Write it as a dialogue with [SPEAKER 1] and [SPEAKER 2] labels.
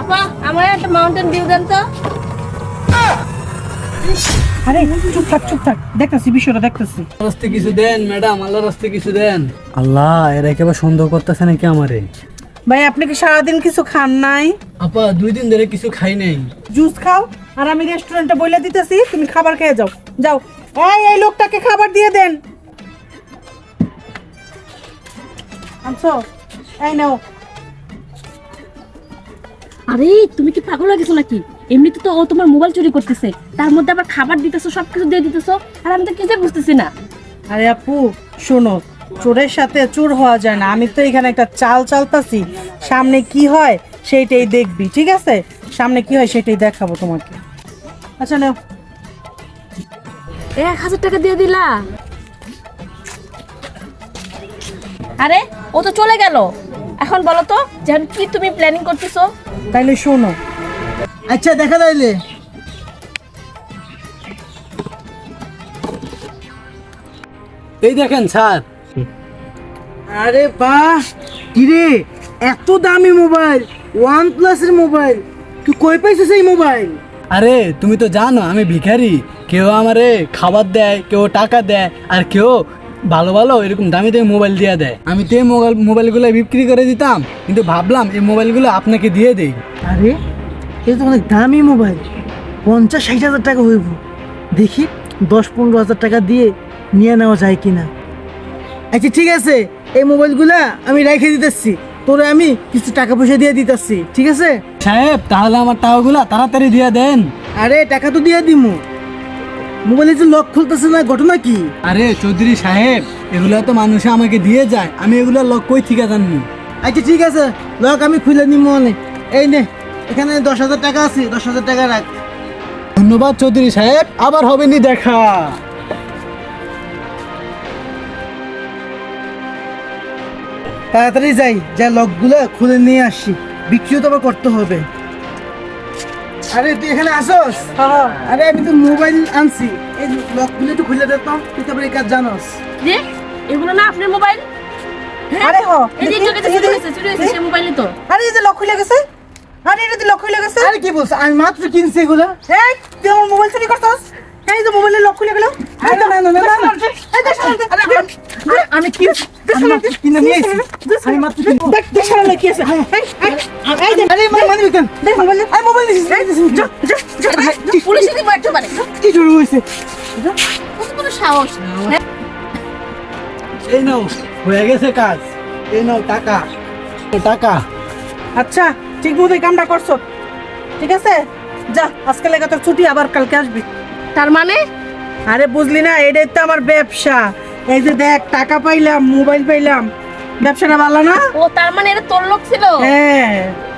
[SPEAKER 1] আপা আমার একটা মাউন্টেন ডিউ দেন তো।
[SPEAKER 2] আরে চুপ থাক দেখতেছি বিষয়টা দেখতেছি।
[SPEAKER 3] রাস্তে কিছু দেন ম্যাডাম, আল্লাহর রাস্তে কিছু দেন। আল্লাহ, এরা একেবারে সন্দেহ করতেছে নাকি আমারে?
[SPEAKER 2] ভাই আপনি কি সারাদিন কিছু খান নাই?
[SPEAKER 3] আপা 2 দিন ধরে কিছু খাই নাই।
[SPEAKER 2] জুস খাও আর আমি রেস্টুরেন্টে বইলা দিতেছি তুমি খাবার খেয়ে যাও। যাও এই লোকটাকে খাবার দিয়ে দেন। আনছো? এই নাও।
[SPEAKER 1] আরে তুমি কি পাগল হয়ে গেছো নাকি? এমনিতে তো ও তোমার মোবাইল চুরি করতেছে, তার মধ্যে আবার খাবার দিতেছো, সবকিছু দিয়ে দিতেছো, আর আমি তো কিছুই বুঝতেছি না।
[SPEAKER 2] আরে আপু শোনো, চোরের সাথে চোর হওয়া যায় না। আমি তো এখানে একটা চাল চালতাছি, সামনে কি হয় সেইটাই দেখবি, ঠিক আছে? সামনে কি হয় সেটাই দেখাবো তোমাকে। আচ্ছা নাও।
[SPEAKER 1] 1000 টাকা দিয়ে দিলা? আরে ও তো চলে গেল, এখন বলো তো যেন কি তুমি প্ল্যানিং করতেছো?
[SPEAKER 2] তাইলে শোনো।
[SPEAKER 3] আচ্ছা দেখা যাইলে। এই দেখেন স্যার।
[SPEAKER 4] আরে বাহ, কিরে এত দামি মোবাইল, OnePlus এর মোবাইল, তুই কই পাইছিস এই মোবাইল?
[SPEAKER 3] আরে তুমি তো জানো আমি ভিখারি। কেউ আমারে খাবার দেয়, কেউ টাকা দেয়, আর কেউ ভালো ভালো এরকম দামি দামি মোবাইল দিয়ে দেয়। আমি তো এই মোবাইলগুলো বিক্রি করে দিতাম, কিন্তু ভাবলাম এই মোবাইলগুলো আপনাকে দিয়ে দেই।
[SPEAKER 4] আরে এটা তো অনেক দামি মোবাইল, 50-60 হাজার টাকা হইব। দেখি 10-15 হাজার টাকা দিয়ে নিয়ে নেওয়া যায় কিনা। আচ্ছা ঠিক আছে, এই মোবাইলগুলা আমি রেখে দিতেছি, তোরে আমি কিছু টাকা পয়সা দিয়ে দিতেছি, ঠিক আছে?
[SPEAKER 3] সাহেব তাহলে আমার টাকাগুলো তাড়াতাড়ি দিয়ে দেন।
[SPEAKER 4] আরে টাকা তো দিয়ে দিমু, মোবাইলে যে লক খুলতেছে না, ঘটনা কি?
[SPEAKER 3] আরে চৌধুরী সাহেব, এগুলো তো মানুষে আমাকে দিয়ে যায়, আমি এগুলো লক কই থেকে জানবো?
[SPEAKER 4] আচ্ছা ঠিক আছে, লক আমি খুলে নিব অনেক। এই নে, এখানে 10,000 টাকা আছে, 10,000 টাকা রাখ।
[SPEAKER 3] ধন্যবাদ চৌধুরী সাহেব, আবার হবে নি দেখা।
[SPEAKER 4] তাড়াতাড়ি যাই, যা লকগুলো খুলে নিয়ে আসি, বিক্রিও তো আবার করতে হবে। আরে তুই এখানে আসোস? আরে আমি তো মোবাইল আনছি, এই লকগুলো একটু খুলে দে তো, তুই তো আবার এই কাজ জানোস।
[SPEAKER 1] যে এগুলো না আপনার মোবাইল?
[SPEAKER 2] আরে হ
[SPEAKER 1] এই যে চুরি হয়েছে সেই মোবাইলে তো।
[SPEAKER 2] আরে এই যে লক খুলে গেছে। আরে এটা তো লক খুলে গেছে।
[SPEAKER 4] আরে কি বলছ, আমি মাত্র কিনছি এগুলো।
[SPEAKER 2] এই তুই আমার মোবাইল চুরি করছস? এই যে মোবাইলের লক খুলে গেল।
[SPEAKER 4] আরে না না না না, না।
[SPEAKER 2] এই দেখ সামনে।
[SPEAKER 4] আরে আমি কি কিনে নিয়ে এসেছি, আমি মাত্র কিনছি।
[SPEAKER 2] দেখ দেখ সামনে কি আছে। এই দেখ।
[SPEAKER 4] আরে মানে কেন
[SPEAKER 2] দেখ মোবাইল।
[SPEAKER 4] আরে মোবাইল দিছিস,
[SPEAKER 2] যা যা যা।
[SPEAKER 1] পুলিশে দিব একেবারে।
[SPEAKER 4] কি শুরু হয়েছে?
[SPEAKER 1] কত বড় সাহস! হ্যাঁ?
[SPEAKER 3] এই নাও, হয়ে গেছে কাজ। এই নাও টাকা, টাকা।
[SPEAKER 2] আচ্ছা ঠিক মতো কামটা করছো, ঠিক আছে? যা আজকে লেগে তোর ছুটি, আবার কালকে আসবি।
[SPEAKER 1] তার মানে
[SPEAKER 2] আরে বুঝলি না, এটাই তো আমার ব্যবসা। এই যে দেখ টাকা পাইলাম, মোবাইল পাইলাম, ব্যবসাটা ভালো না?
[SPEAKER 1] ও তার মানে এটা তোর লোক ছিল?
[SPEAKER 2] হ্যাঁ